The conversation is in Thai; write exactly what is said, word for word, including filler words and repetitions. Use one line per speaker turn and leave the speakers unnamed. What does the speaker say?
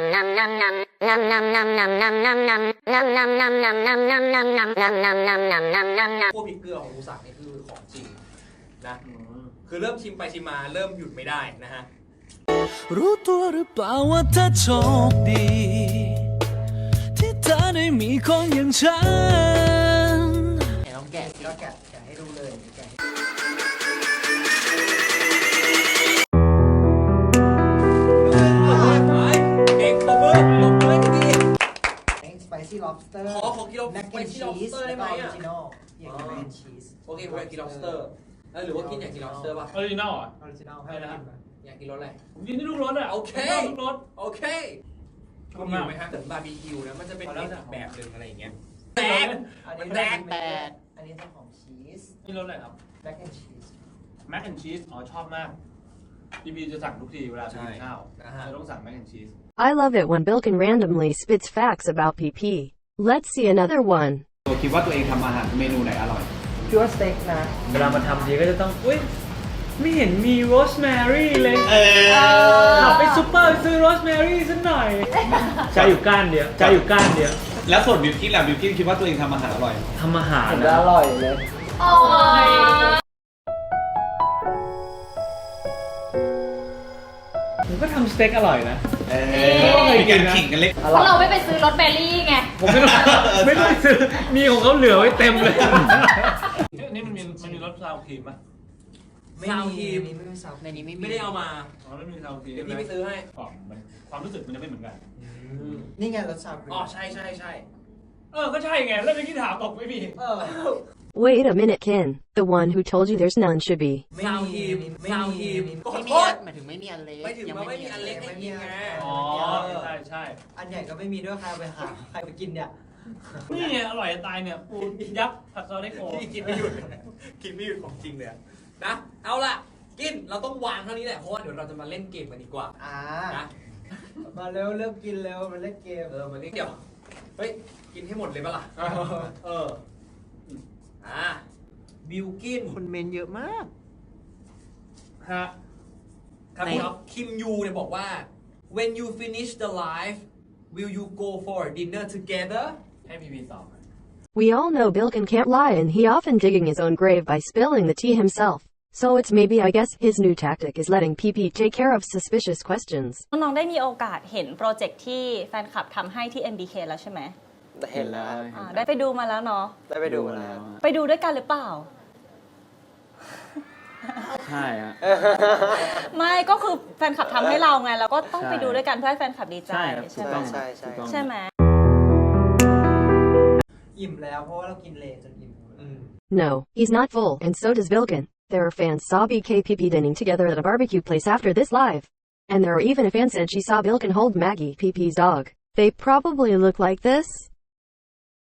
พวกพริกเกลือของมูสักนี่คือของจริงนะคือเริ่มชิมไปชิมมาเริ่มหยุดไม่ได้นะฮะ
รู้ตัวหรือเปล่าว่าเธอโชคดี ที่เธอได้มีคนอย่างฉัน
แกะลองแกะก็แกะแกะให้ดูเลยแกะ
เก่งตบมือตบมือให้ดี
แองสไปซี่ lobster
ขอขอกิโล
แม็ก
ไป
แอน
ที่
ชี
lobster
ส
ได้
แล้ว
ไหม
ก็ออ
อ่ะ
ริจินอลอยากกินแม็กแอนชีส
โอเคผมอยากกิน lobster เออหรือว่ากินอยากกิน lobster ป่ะ
ออริจินอลอ่ะ
ออริจินอลให้เรากินไหม
อยากกินรสอะไร
ผมกินที่ลูกรสอ่ะ
โอเค
ชอบลูกรส
โอเค
ช
คุ
อบ
ณอ
มาก
ยู่ไหมฮะเหมือนบาร์บีคิวนะมันจะเป็น
เอาแล้ว
อีก
จ้ะ
แบบหนึ่งอะไรอย่างเงี้ยแตก
อันนี้
แตก
แตกอันนี้เป็นของชีส
นี่รสอะไรครับ
แม็กแอนชีส
แม็กแอนชีสอ๋อชอบมากพี่พีจะสั่งทุกทีเวลาไปกินข้าว
นะฮะ
จะต้องสั่งแม็กแอนชีส
I love it when Bilkin randomly spits facts about P P. Let's see another one.
ตัวคิดว่าตัวเองทำอาหารเมนูไหนอร่อย
คิดว่าสเต็กนะ
เวลามาทำทีก็จะต้องอุ้ยไม่เห็นมีโรสแมรี่เลยขับไปซุปเปอร์ไปซื้อโรสแมรี่สักหน่อยใช้อยู่ก้านเดียวใช้อยู่ก้านเดียว
แล้วส่วนบิวกิ้นล่ะบิวกิ้นคิดว่าตัวเองทำอาหารอร่อย
ทำอาหาร
ผม
นะ
จะอร่อยเลย
ผมก็ทำสเต็กอร่อยนะ
เออมีการขิงกันเล็ก
เพราะเราไม่ไปซื้อรสเบอร์รี่ไง
ผมไม่ต้องไม่ต้องซื้อมีของเขาเหลือไว้เต็มเลย
นี่มันมีมันมีรสซาวครีมป่ะ
ไม่
ซาว
มี
ครีม
ไม่มีซาว
ในนี้ไม่ได้เอามา
อ๋อไม่มีซาวครีม
เดี๋ยวพี่ไปซื้อให้
กล่องมันความรู้สึกมันจะไม่เหมือนกัน
นี่ไงรสชาติ
อ๋อใช่ใช่ใช่
เออก็ใช่ไงแล้วเมื่อกี้ถามตกไม่มี
เออ
Wait a minute, Ken. The one who told you there's none should be.
ซาวครีมซาวครีมขอ
ไม่
โท
มี
ษ
หมายถึงไม่มีอันเล็ก
ไม่ถึงว่าไม่มีอันเล็กให้กินไง
อ๋อใช่ใช่
อันใหญ่ก็ไม่มีด้วยใครเอาไปหาใครไปกินเนี่ย
นี่ไงอร่อยจะตายเนี่ยปูยักษ์ผัดซอสไดโก
พี่กินไม่หยุดกินไม่หยุดของจริงเลยอะนะเอาล่ะกินเราต้องวางเท่านี้แหละเพราะว่าเดี๋ยวเราจะมาเล่นเกมกันดีกว่า
อ่า
นะ
มาเร็วเริ่มกินเร็วมาเล่นเกม
เออมาเล่นเดี๋ยวเฮ้ยกินให้หมดเลยปะล่ะเอออ่าบิลกิน
คนเมนเยอะมาก
ฮะ ครับ
ใน
ครับ
คิมยูเนี่ยบอกว่า when you finish the live will you go for a dinner together
ให้พีพีตอบ
We all know Bilkin can't lie and he often digging his own grave by spilling the tea himself. So it's maybe I guess his new tactic is letting P P take care of suspicious questions.
น้องๆได้มีโอกาสเห็นโปรเจกต์ที่แฟนคลับทำให้ที่ เอ็ม บี เค แล้วใช่ไหม
เห็นแล้ว
อ่าได้ไปดูมาแล้วเนาะ
ได้ไปดูมาแล้ว
ไปดูด้วยกันหรือเปล่า
ใช่ฮะ
ไม่ก็คือแฟนคลับทำให้เราไงเราก็ต้อง
ใช่
ไปดูด้วยกันเพื่อให้แฟนคลับดีใจ
ใช่ครับ
ใช่ไหม
ถูกต้อง
ใช่ใช่
ถูกต้อง
ใช่ไหม
อิ่มแล้วเพราะว่าเรากินเลจนอิ่ม
No, he's not full and so does Bilkin. There are fans saw B K P P dining together at a barbecue place after this live. And there are even a fan said she saw Bilkin hold Maggie P P's dog. They probably look like this.